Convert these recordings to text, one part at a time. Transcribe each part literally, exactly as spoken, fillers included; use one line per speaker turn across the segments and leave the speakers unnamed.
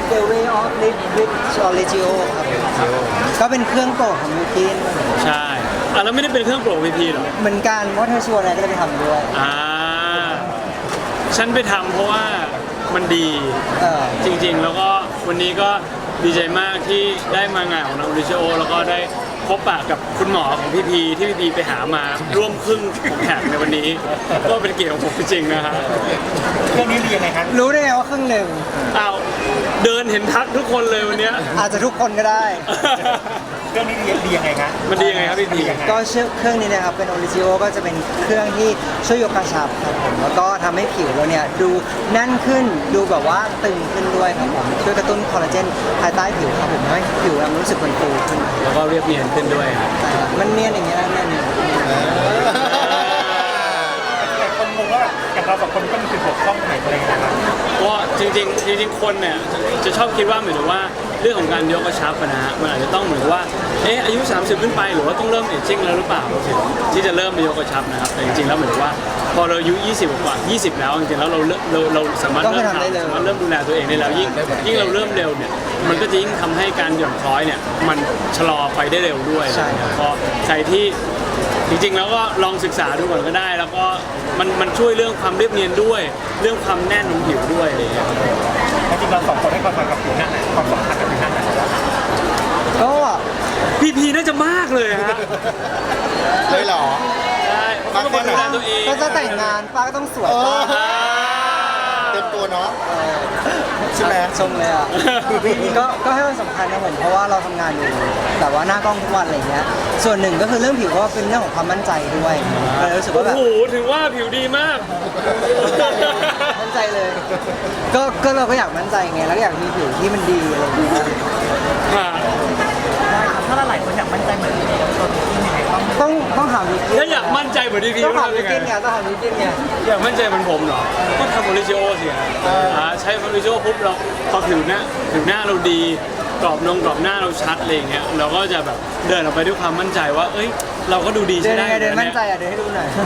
The Way of Live with Origio ครับก็เป็นเครื่องโปรดของยูกิน
ใช่อ่ะแล้วไม่ได้เป็นเครื่องโปรวีพีหรอ
เหมือนกันเพราะเธอชวนอะไรก็เลยไปทำด้วย
อ่าฉันไปทำเพราะว่ามันดีจริงๆแล้วก็วันนี้ก็ดีใจมากที่ได้มางานของน้องริชโอแล้วก็ได้พบปะกับคุณหมอของพี่พีที่พี่พีไปหามาร่วมครึ่งของแขกในวันนี้ก็เป็นเกียรติของผมจริงๆนะฮะ
เรื่องนี้เรียนไงครับ
รู้ได้ไงว่าครึ่งหนึ่ง
อ้าวเดินเห็นทักทุกคนเลยวันนี้
อาจจะทุกคนก็ได้
เครื่องนี้เรียนดียังไงครับ
มันดียังไงครับพี่พี
ก็เครื่องนี้นะครับเป็นโอริจิโอก็จะเป็นเครื่องที่ช่วยยกกระชับครับผมแล้วก็ทำให้ผิวเราเนี่ยดูแน่นขึ้นดูแบบว่าตึงขึ้นด้วยครับผมช่วยกระตุ้นคอลลาเจนภายใต้ผิวครับผมให้ผิวมันรู้สึกมันฟูขึ้น
แล้วก็เรียบเนียนขึ้นด้วยครับ
มันเนียนอย่างเงี้ยนั่นเนี่ย
แต่คนงงว่าอย่างเราสองคนก็มีจุดบกพร่องไหนอะไรนะครับ
ก็จริงๆจริงๆคนเนี่ยจะชอบคิดว่าเหมือนว่าเรื่องของการยกกระชับนะฮะมันอาจจะต้องเหมือนว่าเอ๊ะอายุสามสิบขึ้นไปหรือว่าต้องเริ่มเอจจิ้งแล้วหรือเปล่าที่จะเริ่มไปยกกระชับนะครับแต่จริงๆแล้วเหมือนว่าพอเราอายุยี่สิบกว่ายี่สิบแล้วจริงๆแล้วเราเราเราสามารถเริ่มทำสามารถเริ่มดูแลตัวเองได้แล้วยิ่งยิ่งเราเริ่มเร็วเนี่ยมันก็จะยิ่งทำให้การหย่อนคล้อยเนี่ยมันชะลอไปได้เร็วด้วยพอใครที่จริงๆแล้วก็ลองศึกษาดูก่อนก็ได้แล้วก็มันมันช่วยเรื่องความเรียบเนียนด้วยเรื่องความแน่นของผิวด้วยอะไรอย่างเงี้ย
จริงๆเราสองคนให้ความสำคัญกับผิวหน้าไหนความสำคัญกับผิวหน้าไหน
ก็
พีพีน่าจะมากเลยฮะ
เลยเหรอ
ใช่ป้าก็ดูแลตัวเอง
ก็จะแต่งงานป้าก็ต้องสวย
เต็มตัวเนาะใช่ไหม
ชมเลยอ่ะก็ก็ให้มันสำคัญนะผมเพราะว่าเราทำงานอยู่แต่ว่าหน้ากล้องทุกวันอะไรเงี้ยส่วนหนึ่งก็คือเรื่องผิวก็เป็นเรื่องของความมั่นใจด้วยเรารู้สึกว่าแบบ
โอ้โหถือว่าผิวดีมาก
มั่นใจเลยก็ก็เราก็อยากมั่นใจไงแล้วอยากมีผิวที่มันดีอะไรอย่างเงี้ย
ได้ครับถ้าหลายคนอยากมั่นใจเหมือนตัวพี่ยังไง
ต้องต้องหาวิธี
ถ้าอยากมั่นใจเหมือนพี่
ต้องหาวิธีไงต้องหาวิธีไง
อยากมั่นใจเหมือนผมเหรอก็ทำโอริจิโอสิฮะใช้โอริจิโอปุ๊บเราพอผิวหน้าผิวหน้าเราดีกรอบนงกรอบหน้าเราชัดอะไรอย่างเงี้ยเราก็จะแบบเดินออกไปด้วยความมั่นใจว่าเอ้ยเราก็ดูดีใช่ได้
เดินมั่นใจอ่ะเดินให้ดูหน่อย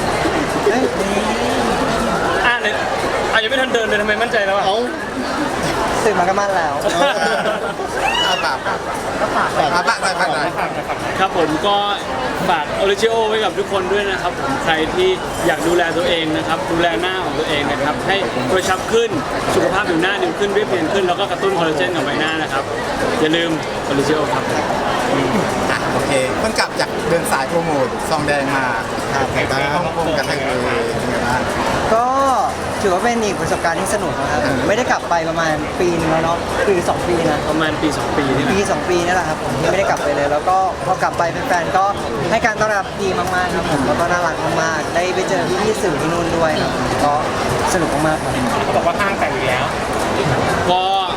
อ่ะเนี่ยอ่ะยังไม่ทันเดินเลยทำไมมั่นใจแล้วอ่ะ
ตื่นมาก็มั่นแล้ว
อาปากปากปากปากปากปากปาก
ครับผมก็ฝากโอริจิโอไว้กับทุกคนด้วยนะครับผมใครที่อยากดูแลตัวเองนะครับดูแลหน้าของตัวเองนะครับให้กระชับขึ้นสุขภาพผิวหน้าดีขึ้นเรียบเนียนขึ้นแล้วก็กระตุ้นคอลลาเจนกับใบหน้านะครับอย่าลืมโอริจิโอครับ
โอเคเพิ่งกลับจากเดินสายโปรโมทซองแดงมาครับในฮ่องกงกับไทยเลย
ก็ถือว่าเป็นอีกประสบการณ์ที่สนุกนะครับไม่ได้กลับไปประมาณปีนึงแล้วเนาะปีสองปีนะ
ประมาณปีสองปีนี่
ปีสองปีนี่แหละครับผมที่ไม่ได้กลับไปเลยแล้วก็พอกลับไปแฟนๆก็ให้การต้อนรับดีมากๆครับผมแล้วก็น่ารักมากๆได้ไปเจอพี่ๆสื่อที่นู่นด้วยครับก็สนุกมากๆครับ
เขาบอกว่าห้างแต่งอยู่แล้ว
ก็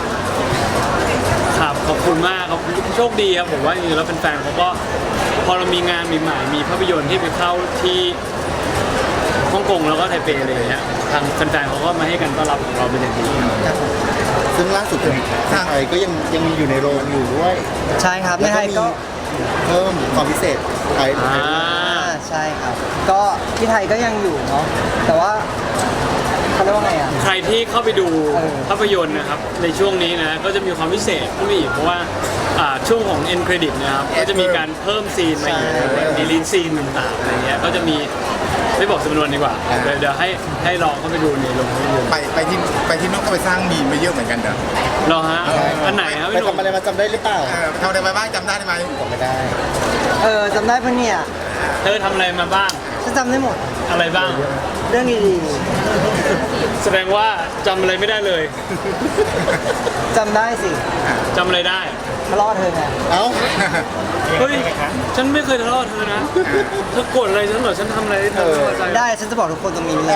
ครับขอบคุณมากครับโชคดีครับผมว่าจริงๆแล้วแฟนๆเขาก็พอเรามีงานใหม่ๆมีภาพยนตร์ที่ไปเข้าที่ฮ่องกงแล้วก็ไทเปอะไรอย่างเงี้ยทางแฟนๆเขาก็มาให้กันต้อนรับของเราเป็นอย่างดีครับ
ซึ่งล่าสุดทางไทยก็ยังยังมีอยู่ในโรงอยู่ด้วย
ใช่ครับในไทยก็
เพิ่มความพิเศษไทย
ใช่ครับก็ที่ไทยก็ยังอยู่เนาะแต่ว่าเขาเรียกว่าไงอ่ะ
ใครที่เข้าไปดูภาพยนตร์นะครับในช่วงนี้นะก็จะมีความพิเศษขึ้นมาอีกเพราะว่าช่วงของเอ็นเครดิตนะครับก็จะมีการเพิ่มซีนมาอีกดีลีนซีนต่างๆอะไรเงี้ยก็จะมีไม่บอกจำนวนดีกว่าเดี๋ยวให้ให้ลองเข้าไปดูในโรงภาพยนตร์
ไปไปที่ไปที่นู้นก็ไปสร้างมีมไปเยอะเหมือนกันเด้อ
รอฮะอันไหนครับ
ไปทำอะไรมาจำได้หรือเปล่าทำอะไรมาบ้างจำได้ไหมจำไม่ได้
เออจำได้ปะเนี่ย
เธอทำอะไรมาบ้าง
ฉันจำได้หมด
อะไรบ้าง
เรื่องดี
ๆแสดงว่าจำอะไรไม่ได้เลย
จำได้สิ
จำอะไรได้
ทะเลาะเธอไง
เอ้า
เฮ้ยฉันไม่เคยทะเลาะเธอนะเธอโกรธอะไรฉันเหรอฉันทำอะไรเธอไม่พอใจ
ได้ฉันจะบอกทุกคนตรงนี้เลย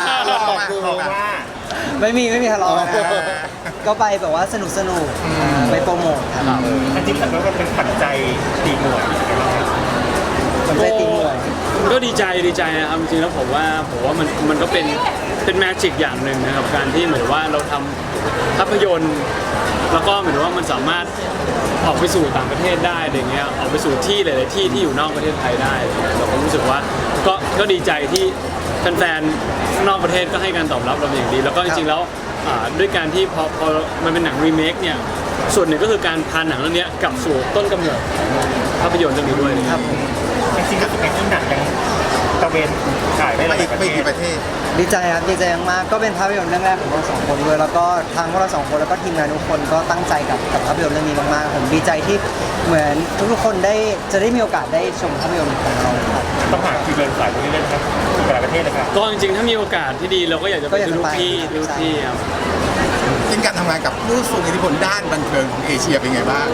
ไม่มีไม่มีทะเลาะนะก็ไปแบบว่าสนุกสนุกไปโปรโมทครับ
จริงๆแล้วก็เป็นขวัญใจตีหน่วย
ขวัญใจตีหน่วย
ก็ดีใจดีใจนะครับจริงๆแล้วผมว่าผมว่ามันมันก็เป็นเป็นแมจิกอย่างหนึ่งนะครับการที่เหมือนว่าเราทำภาพยนตร์แล้วก็เหมือนว่ามันสามารถออกไปสู่ต่างประเทศได้อะไรเงี้ยออกไปสู่ที่หลายๆที่ที่อยู่นอกประเทศไทยได้เราก็รู้สึกว่าก็ก็ดีใจที่แฟนๆนอกประเทศก็ให้การตอบรับเราอย่างดีแล้วก็จริงๆแล้วอ่าด้วยการที่พอพอมันเป็นหนังรีเมคเนี่ยส่วนหนึ่งก็คือการพาหนังเรื่องนี้กลับสู่ต้นกำเนิดของภาพยนตร์เรื่องนี้ด้วยนะครับ
จริงๆก็เป็นที่หนังยังตะเวนขายได้ห
ไป
ลาย
อีก
ประ
ไป
เท
กี่
ศ
ประเทศ
ดีใจครับดีใจมากๆก็เป็นภาพยนตร์เรื่องแรกของเราสองคนด้วยแล้วก็ทางพวกเราสองคนแล้วก็ทีมงานทุกคนก็ตั้งใจกับกับภาพยนตร์เรื่องนี้มากๆผมดีใจที่เหมือนทุกๆคนได้จะได้มีโอกาสได้ชมภาพยนตร์ของเราครับ
ต้องหาคิวเดินสายตรงนี้เล่นครับสู่หลายประเทศเลยครับ
ก็จริงๆถ้ามีโอกาสที่ดีเราก็อยากจะไป
ก็อยาก
ดู
จะ
ทุก
ไป
ที่ดูทุกที่ครับ
จริงการทำงานกับผู้ทรงอิทธิพลด้านบันเทิงของเอเชียเป็นไงบ้าง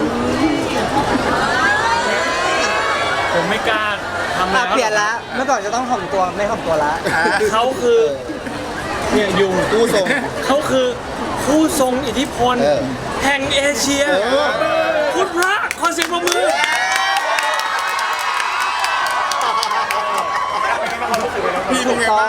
ผมไม่กล้าทำอะไร
อ่ะเปลี่ยนละเมื่อก่อนจะต้องถ่อมตัวไม่ถ่อมตัวละ
เขาคือเนี่ยยุง
ผู้ทรง
เขาคือผู้ทรงอิทธิพล
เออ
แห่งเอเชียพุทธพระขอเสียงปรบมือ
พี่เป็นไงบ้าง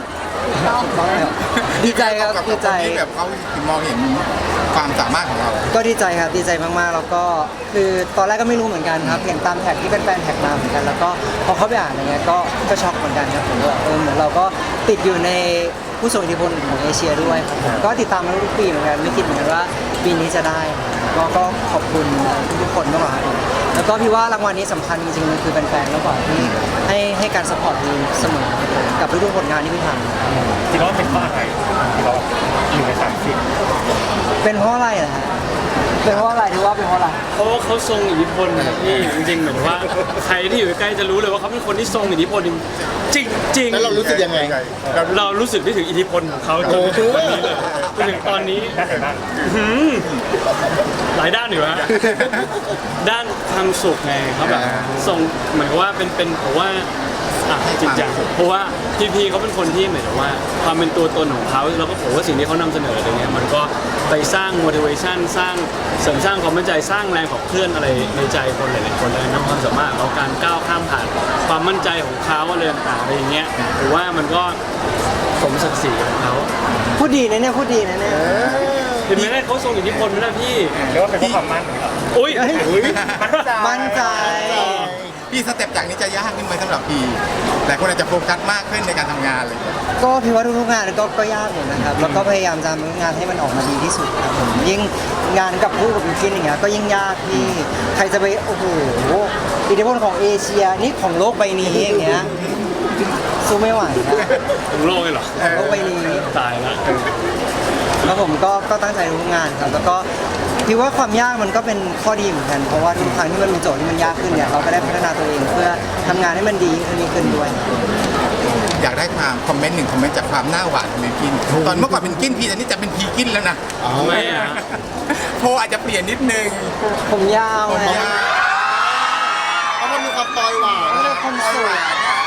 ดีใจครับ
กับ
ดีใจ
คนที่แบบเขามองเห็นความสามารถของเรา
ก็ดีใจครับดีใจมากๆแล้วก็คือตอนแรกก็ไม่รู้เหมือนกันครับเห็นตามแท็กที่แฟนๆแท็กมาเหมือนกัน แล้วก็พอเขาไปอ่านอะไรเงี้ยก็ก็ช็อกเหมือนกันครับผมว่าเออเหมือนเราก็ติดอยู่ในผู้ทรงอิทธิพลของเอเชียด้วยครับผมก็ติดตามมาทุกปีเหมือนกันไม่คิดเหมือนกันว่าปีนี้จะได้ก็ก็ขอบคุณทุกๆคนมากๆครับแล้วก็พี่ว่ารางวัลนี้สำคัญจริงๆมันคือแฟนๆมากกว่าที่ให้ให้การสปอร์ตทีมเสมอครับผมกับทุกๆผลงานที่พี่ทำ
คิดว่าเป็นเพราะอะไรที่เราอยู่ในสามสิบ
เป็นเพราะอะไรล่ะฮะเป็นเพราะอะไรที่ว่าเป็นเพราะอะไร
เพราะว่าเขาทรงอิทธิพลนะครับพี่จริงๆเหมือนว่าใครที่อยู่ใกล้ๆจะรู้เลยว่าเขาเป็นคนที่ทรงอิทธิพลจริงจริงๆ
แล้วเรารู้สึกยังไง
เรารู้สึกได้ถึงอิทธิพลของเขาจนถึงวันนี้เลยจนถึงตอนนี้
ด้านไหนบ้าง
หืมหลายด้านอยู่ฮะด้านความสุขไงเขาแบบส่งเหมือนกับว่าเป็นเป็นเพราะว่าอ่ะจริงจังเพราะว่าพี่พีเขาเป็นคนที่เหมือนกับว่าความเป็นตัวตนของเขาแล้วก็ผมว่าสิ่งที่เขานำเสนออะไรเงี้ยมันก็ไปสร้าง motivation สร้างเสริมสร้างความมั่นใจสร้างแรงขับเคลื่อนอะไรในใจคนหลายๆคนเลยนะความสามารถของเขาการก้าวข้ามผ่านความมั่นใจของเขาอะไรต่างๆอะไรอย่างเงี้ยหรือว่ามันก็สมศักดิ์ศรีของเขา
พูดดีนะเนี่ยพูดดีนะเนี่ย
เห็นไหมเนี่ยเขาทรงอิทธิพลไหมล่ะพี่
เรียกว่าเป็นเพราะความมั่นเหรอ
อุ้ย
มั่นใจ
พี่สเต็ปจากนี้จะยากขึ้นไหมสำหรับพี่แต่คนอาจจะโฟกัสมากขึ้นในการทำงานเลย
ก็พี่ว่าทุกๆงานก็ก็ยากหมดนะครับ แล้วก็พยายามจะทำงานให้มันออกมาดีที่สุดครับผมยิ่งงานกับผู้กับกินอย่างเงี้ยก็ยิ่งยากที่ใครจะไปโอ้โหอิทธิพลของเอเชียนี่ของโลกใบนี้อย่างเงี้ยสู้ไม่ไหวนะ
ถึงโลกเลยเหรอ
ของโลกใบนี้
ตายแล้ว
แล้วผมก็ก็ตั้งใจทุกงานครับแล้วก็พี่ว่าความยากมันก็เป็นข้อดีเหมือนกัน เพราะว่าทุกครั้งที่มันมีโจทย์ที่มันยากขึ้นเนี่ยเราก็ได้พัฒนาตัวเองเพื่อทำงานให้มันดีขึ้นดีขึ้นด้วย
อยากได้ความคอมเมนต์หนึ่งคอมเมนต์จากความหน้าหวานของบิลกิน ตอนเมื่อก่อนเป็นกินพีแต่นี่จะเป็นพีกินแล้วนะ
ทำไมอ่ะ
โพอาจจะเปลี่ยนนิดนึง
ผมยาว
ผม
ฮะ
ยาว
เพราะมันมีความตอยหวาน
เลือกคนสวย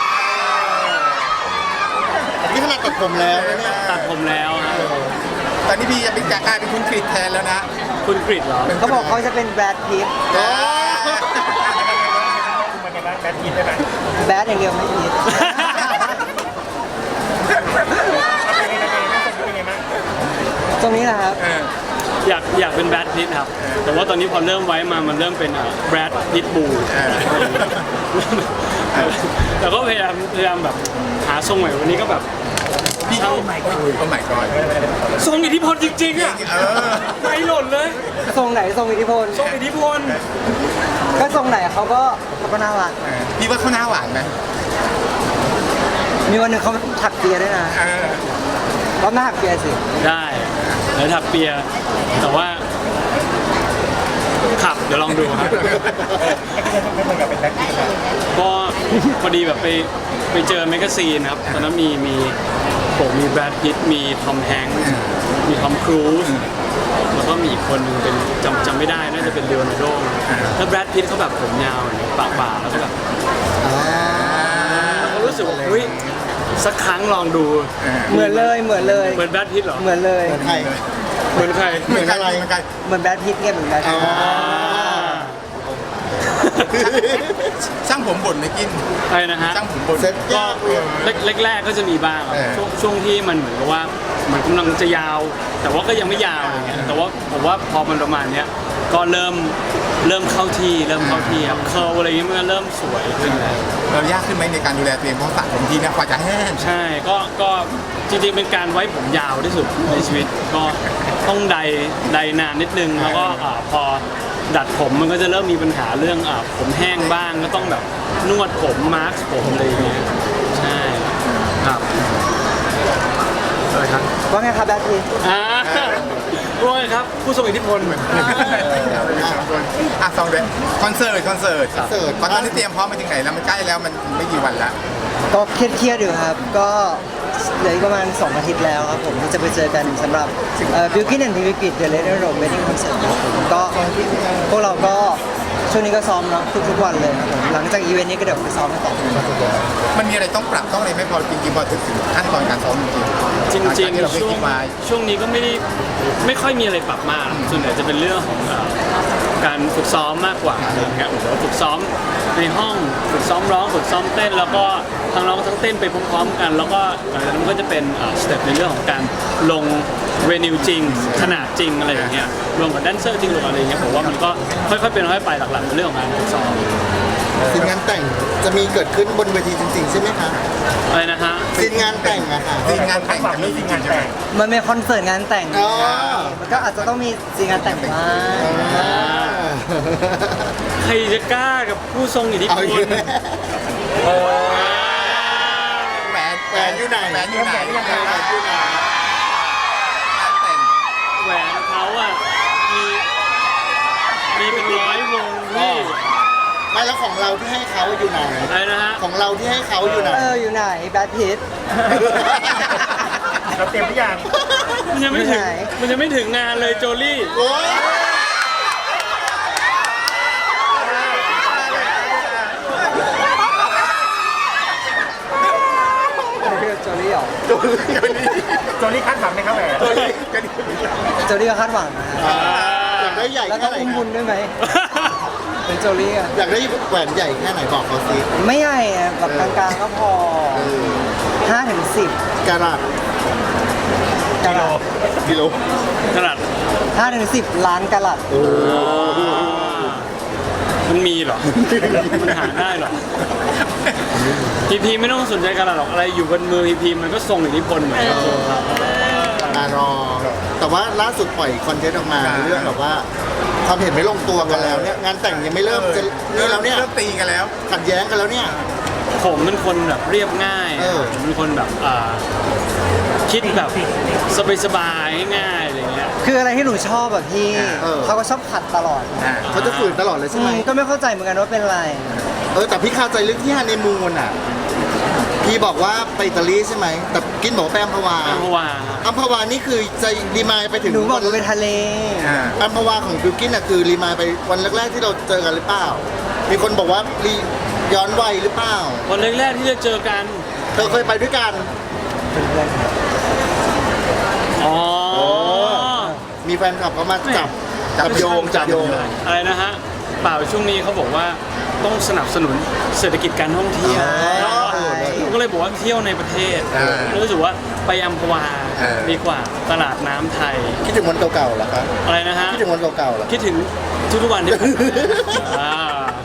นี่ขนาดตัดผมแล้วนะเนี่ย
ตัดผมแล้วฮะ
ตอนนี้พี่จะเป็นกลายเป็นคุณกริดแทนแล้วนะ
คุณกริดเหรอ
เขาบอกเขาจะเป็นแบดพิท
คือมันในบ้านแบทกินได้ไหม
แบดอย่างเดียวไม่พิท
เป็นไงบ้างเป็นไงบ้าง
ตรงนี้แหละครับ
เออ
อยากอยากเป็นแบรดพิตครับ แต่ว่าตอนนี้พอเริ่มไว้มามันเริ่มเป็นแบรดพิตบูแต่ก็พยายามพยายามแบบหาทรงใหม่วันนี้ก็แบบ
พี่โอ้ไม่ก็โอ้ไม่ก็
ทรงอิทธิพลจริงๆอ่ะ
เออ
ไม่หล่นเลย
ทรงไหนทรงอิทธิพล
ทรงอิทธิพล
ก็ทรงไหนเขาก็เขาก็น่ารัก
พี่ว่าเขาหน้าหวานไหม
มีวันหนึ่งเขาถักเปียด้วยนะ
เออ
รอบหน้าถักเปียสิ
ได้แล้วถักเปีย แต่ว่าขับเดี๋ยวลองดูครับ
ไม่เหมือนกับเป็นแบทกินนะ
ก็พอดีแบบไปไปเจอแมกกาซีนครับตอนนั้นมีมีผมมีแบรดพิตต์มีทอมแฮงค์มีทอมครูซแล้วก็มีอีกคนหนึงเป็นจำจำไม่ได้น่าจะเป็นเลโอนาร์โดแล้วแบรดพิตต์เขาแบบผมยาวอย่างเงี้ยปากบ่าแล้วก็แบบแล้วก็รู้สึกว่าเฮ้ยสักครั้งลองดู
เหมือนเลยเหมือนเลย
เหมือนแบรดพิตต์เหรอ
เหมือนเลย
เหมือนใคร
เหมือนใคร
เหมือนกันเหมือนกัน
เหมือนแบดพิทไงเหมือนแบดพิท
อ่า
ช่างผมบ่นไหมกิน
อะไรนะฮะ
ช่างผมบ่น
เซ็ตยากเลย
แรกๆก็จะมีบ้างครับ
เออ
ช่วงช่วงที่มันเหมือนกับว่ามันกำลังจะยาว แต่ว่าก็ยังไม่ยาวอะไรเงี้ยแต่ว่าผมว่าพอมันประมาณเนี้ยก็เริ่มเริ่มเข้าที่เริ่มเข้าที่ครับเคิร์ลอะไรเงี้ยมันก็เริ่มสวยขึ้นแล้ว
เรายากขึ้นไหมในการดูแลตัวเองเพราะสระผมทีนะกว่าจะแห้ง
ใช่ก็ก็จริงๆเป็นการไว้ผมยาวที่สุดในชีวิตก็ต้องใดใดนานนิดนึงแล้วก็อ่าพอดัดผมมันก็จะเริ่มมีปัญหาเรื่องอ่าผมแห้งบ้างก็ต้องแบบนวดผมมาร์คผมอะไรอย่างเงี้ยใช่ครับ
อะไรครับ
ว่าไงครับแบทพีท
อ่าว่าไงครับผู้ทรงอิทธิพล
อ่ะสองเดือนคอนเสิร์ตคอนเสิร์ต
คอนเสิร์ต
ตอนนี้เตรียมพร้อมมาถึงไหนแล้วมันใกล้แล้วมันไม่กี่วันแล้ว
ก็เครียดๆอยู่ครับ ก็เหลืออีกประมาณสองอาทิตย์แล้วครับผมที่จะไปเจอกันสำหรับบิวกิ้นแอนด์พิวิกิตเดอะเลเดอร์โรมเวดดิ้งคอนเสิร์ตครับผมก็พวกเราก็ช่วงนี้ก็ซ้อมเนาะทุกๆวันเลยครับผมหลังจากอีเวนต์นี้ก็เดี๋ยวไปซ้อมกันต่อ
มันมีอะไรต้องปรับต้องอะไรไหม่พอจริงๆพอถึงขั้นตอนการซ้อมจริงๆ
จริง
หลัจากที่เรา
ๆ
เคย
ช่วง
คิดไว้
ช่วงนี้ก็ไม่ได้ไม่ค่อยมีอะไรปรับมากส่วนใหญ่จะเป็นเรื่องของเอ่อการฝึกซ้อมมากกว่าอะไรอย่างเงี้ยหรือว่าฝึกซ้อมในห้องฝึกซ้อมร้องฝึกซ้อมเต้น แล้วก็ทั้งร้องทั้งเต้นไปพร้อมๆกัน แล้วก็หลังจากนั้นมันก็จะเป็นสเต็ปในเรื่องของการลงเวนิวจริงขนาดจริงอะไรอย่างเงี้ยรวมกับแดนเซอร์จริงรวมกับอะไรอย่างเงี้ยผมว่ามันก็ค่อยๆเป็นค่อยๆไปหลักๆเป็นเรื่องของการฝึกซ้อม
ซีนงานแต่งจะมีเกิดขึ้นบนเวทีจริงๆใช่ไหมคะ
อะไรนะฮะ
ซีนงานแต่งอะค่ะ
จริงงานแต่งจะมีจริงใช่ไหม
มันเป็นคอนเสิร์ตงานแต่ง
อ๋อ
มันก็อาจจะต้องมีซีนงานแต่งบ้าง
ใครจะกล้ากับผู้ทรงอิทธิพ
เอา
ล
อีกแล้ว
แหวน
แหวนอยู่ไหน
แหวนอยู่ไหน
แหวนอยู่ไหน
งานแต่ง
แหวนเขาอะมีมีเป็นร้อยวงพี่
ไม่แล้วของเราที่ให้เขาอยู่ไหน
อะไรนะฮะ
ของเราที่ให้เขาอยู่ไหน
เอออยู่ไหนแบทพีท
เราเตรียมทุกอย่าง
มันยังไม่ถึง
ไหน
มันยังไม่ถึงงานเลยโจลี่
โอ้ย
โจลี่เหรอ
โจลี่คาดหวังไหมครับแหวน
โจลี่ก็คาดหวังนะ
อ่าอยากได้ใหญ่
แล้วก็
แค่ไหน
อุ้มบุญด้วยไหมเป็นโจลี่อะ
อยากได้แหวนใหญ่แค่ไหนบอกเขาสิ
ไม่ใหญ่อะแบบกลางๆก็พอห้าถึงสิบ
กะรัต
กะลัด
กิโล
ขนาด
ห้าถึงสิบล้านกะลัด
มันมีเหรอ มันหาได้เหรอ พีพีไม่ต้องสนใจกันหรอกอะไรอยู่บนมือพีพีมันก็ทรงอิทธิพลเหมือนกันครับ
มารอ แต่ว่าล่าสุดปล่อยคอนเทนต์ออกมาเรื่องแบบว่าความเห็นไม่ลงตัวกันแล้วเนี่ยงานแต่งยังไม่เริ่มจะนี่แล้วเนี่ย
เริ่มตีกันแล้ว
ขัดแย้งกันแล้วเนี่ย
ผมเป็นคนแบบเรียบง่าย
เออ
ผมเป็นคนแบบอ่าคิดแบบสบายๆง่ายๆอะไรเงี้ย
คืออะไรที่หนูชอบแบบพี่
เออ
เขาก็ชอบขัดตลอด
อ่า
เขาจะฝืนตลอดเลยใช่
อื
ไหม
มก็ไม่เข้าใจเหมือนกันว่าเป็นอะไร
เออแต่พี่คาใจเรื่องที่ฮันนีมูนอ่ะพี่บอกว่าไปอิตาลีใช่ไหมแต่กินบอกว่าไปอัมพวา
อัมพวา
อัมพวานี่คือจะรีมายไปถึง
หนูบอกหนูเป็นทะเล
อ่า
อัมพวาของบิวกินอ่ะคือรีมายไปวันแรกๆที่เราเจอกันหรือเปล่า มีคนบอกว่ารีย้อนวัยหรือเปล่า
วันแรกๆที่จะเจอกัน
เธอเคยไปด้วยกัน
เป็นเพื่อนครับ
อ๋อ
มีแฟนคลับเขามาจับจับโยงจับโยง
อะไรนะฮะ เปล่าช่วงนี้เขาบอกว่าต้องสนับสนุนเศรษฐกิจการท่องเที่ยว
อ๋อ
ผมก็เลยบอกว่าเที่ยวในประเทศรู้สึกว่าไปอัมพวาดีกว่าตลาดน้ำไทย
คิดถึงวันเก่าๆเหรอครับ
อะไรนะฮะ
คิดถึงวันเก่าๆเหรอ
คิดถึงทุกๆวันที่ผ่านมาอ่า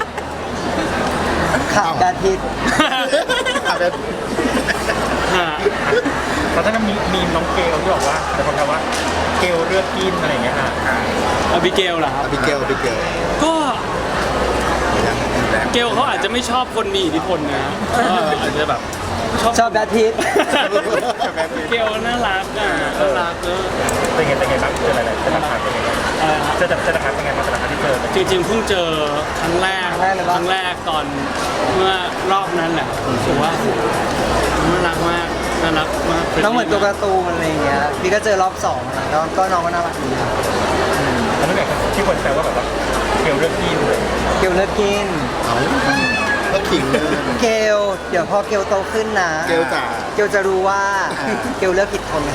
ขับแบทพีท
อ่ะแบบ
ฮะ
ตอนนั้นมีมีน้องเกลที่บอกว่าแต่คนถามว่าเกลเลือกกินอะไรอย่างเงี้ยค่ะ
อบิเกลเหรอครับ
อบิเกลอบิเกล
ก็เกลเขาอาจจะไม่ชอบคนมีอิทธิพลนะก็อาจจะแบบชอบ
ชอบแบทพีท
เกลน่ารักอ่ะน่ารักเออ
เป็นไงเป็นไงบ้างเจออะไรๆเจอราคาเป็นไงบ้าง
อะไรนะ
เจอเจอราคาเป็นไงบ้างแต่ละครั้งที่เจอ
จริงๆเพิ่งเจอครั้งแรก
ครั้งแรกเลยปะ
ครั้งแรกตอนเมื่อรอบนั้นแหละรู้สึกว่าน่ารักมากน่ารักมาก
น้องเหมือนตัวการ์ตูนอะไรอย่างเงี้ยพี่ก็เจอรอบสองนะก็ก็น้องก็น่ารักดีครับ
แล้วนั่นแหละที่คนแซวว่าแบบว่าเกลเลือกกินเลย
เกลเลิกกิน
เอาก็ขิงเลย
เกลเดี๋ยวพอเกลโตขึ้นนะ
เกลจ๋า
เกลจะรู้ว่าเกลเลิกผิดคนนะ
โอ้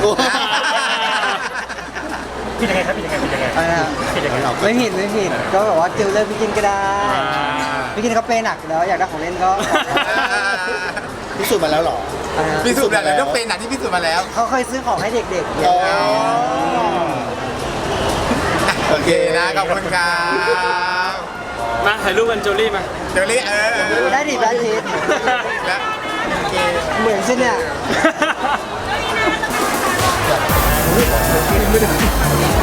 พี่ยังไงครับพี่ยังไงพี่ยังไง
อะไรนะ
พี่ยังไงเรา
ไม่ผิดไม่ผิดก็แบบว่าเกลเลิกพี่กินก็ได้พี่กินเขาเปย์หนักอยู่แล้วอยากได้ของเล่นก็
พิสูจน์มาแล้วเหรอ
อะไรนะ
พิสูจน์แล้วต้องเป็นหนักที่พิสูจน์มาแล้ว
เขาเคยซื้อของให้เด็กๆเย
อ๋
อะ
อ
โอเคนะขอบคุณครับ
มาถ่ายรูปกันโจลี่มา
เดี๋ยวนี้เออ
ได้ดิแบทพีท
แล้วโอเค
เหมือนใช่เนี่ย
ไม่ได้